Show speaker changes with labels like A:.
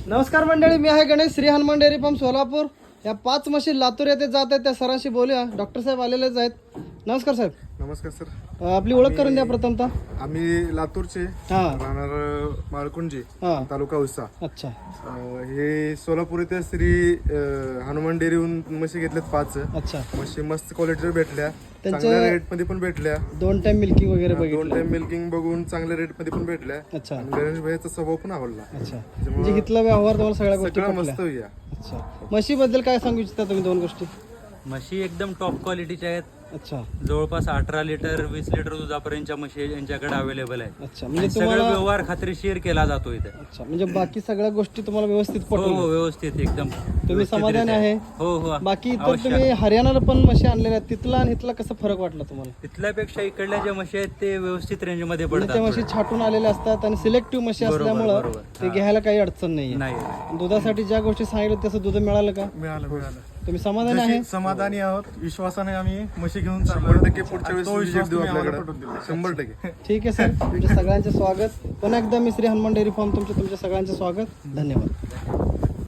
A: नमस्कार मंडळी, मी आहे गणेश, श्री हनुमान डेअरी फार्म सोलापूर. या 5 म्हशी लातूर येथे जात आहेत, त्या सरांशी बोलूया. डॉक्टर साहेब आलेलेच आहेत. नमस्कार साहेब.
B: नमस्कार सर.
A: आपली ओळख करून द्या प्रथमतः.
B: आम्ही लातूरचे,
A: हां
B: राहणार माळकुंजी,
A: हां.
B: तालुका औसा.
A: अच्छा
B: हे सोलापूर येथे श्री हनुमान डेअरीहून म्हशी घेतल्यात 5.
A: अच्छा.
B: म्हशी मस्त क्वालिटीवर भेटल्या,
A: त्यांच्या-
B: चांगल्या रेट मध्ये पण भेटल्या.
A: 2 टाइम मिल्किंग वगैरे
B: 2
A: बघितलं.
B: टाइम मिल्किंग बघून चांगल्या रेट मध्ये पण भेटल्या.
A: अच्छा
B: आणि गणेश भाईचा स्वभाव पण आवडला.
A: अच्छा. म्हणजे इथला व्यवहार तुम्हाला सगळ्या गोष्टी
B: सगळं
A: पटल्या.
B: मस्त या.
A: अच्छा. म्हशीबद्दल काय सांगू इच्छिता तुम्ही 2 गोष्टी?
C: म्हशी एकदम टॉप क्वालिटीच्या आहेत.
A: अच्छा
C: जवळपास 18 लिटर 20 लिटर दुधापर्यंतच्या म्हशी यांच्याकडे अवेलेबल आहेत.
A: अच्छा.
C: आणि
A: म्हणजे
C: सगळं
A: तुम्हाला
C: व्यवहार खात्रीशीर केला जातो इथे.
A: अच्छा, म्हणजे बाकी सगळ्या गोष्टी तुम्हाला व्यवस्थित
C: हो
A: पटवल्या.
C: व्यवस्थित एकदम
A: तुम्ही
C: व्यवस्थित
A: समाधानी
C: रित्या.
A: आहे?
C: हो हो
A: बाकी इतर
C: अवश्य.
A: तुम्ही हरियाणाला पण म्हशी आणलेल्या आहेत, तिथला आणि इथला कसं फरक वाटला तुम्हाला?
C: तिथल्यापेक्षा इकडल्या ज्या म्हशी आहेत ते व्यवस्थित रेंज मध्ये
A: म्हणजे
C: पडतात
A: त्या म्हशी
C: थोड्या.
A: छाटून आलेल्या असतात आणि सिलेक्टिव्ह म्हशी
C: बरोबर,
A: असल्यामुळं
C: बरोबर.
A: ते
C: हा.
A: घ्यायला काही अडचण नाहीये.
C: नाही
A: दुधासाठी ज्या गोष्टी सांगितलं तसं दूध मिळालं का?
D: मिळालं.
A: तुम्ही समाधानी आहे?
D: समाधानी आहोत. विश्वासाने आम्ही म्हशी घेऊन
B: 100% पुढच्या वेळेस
D: तो
B: visit
D: विश्वास
B: देऊ
D: तुम्ही आम्हाला
B: आपल्याकडे.
D: पटवून दिला.
B: 100%.
A: ठीक आहे सर, तुमच्या सगळ्यांचे स्वागत. पुन्हा एकदा मी श्री हनुमान डेअरी फार्म तुमचे सगळ्यांचे स्वागत. धन्यवाद.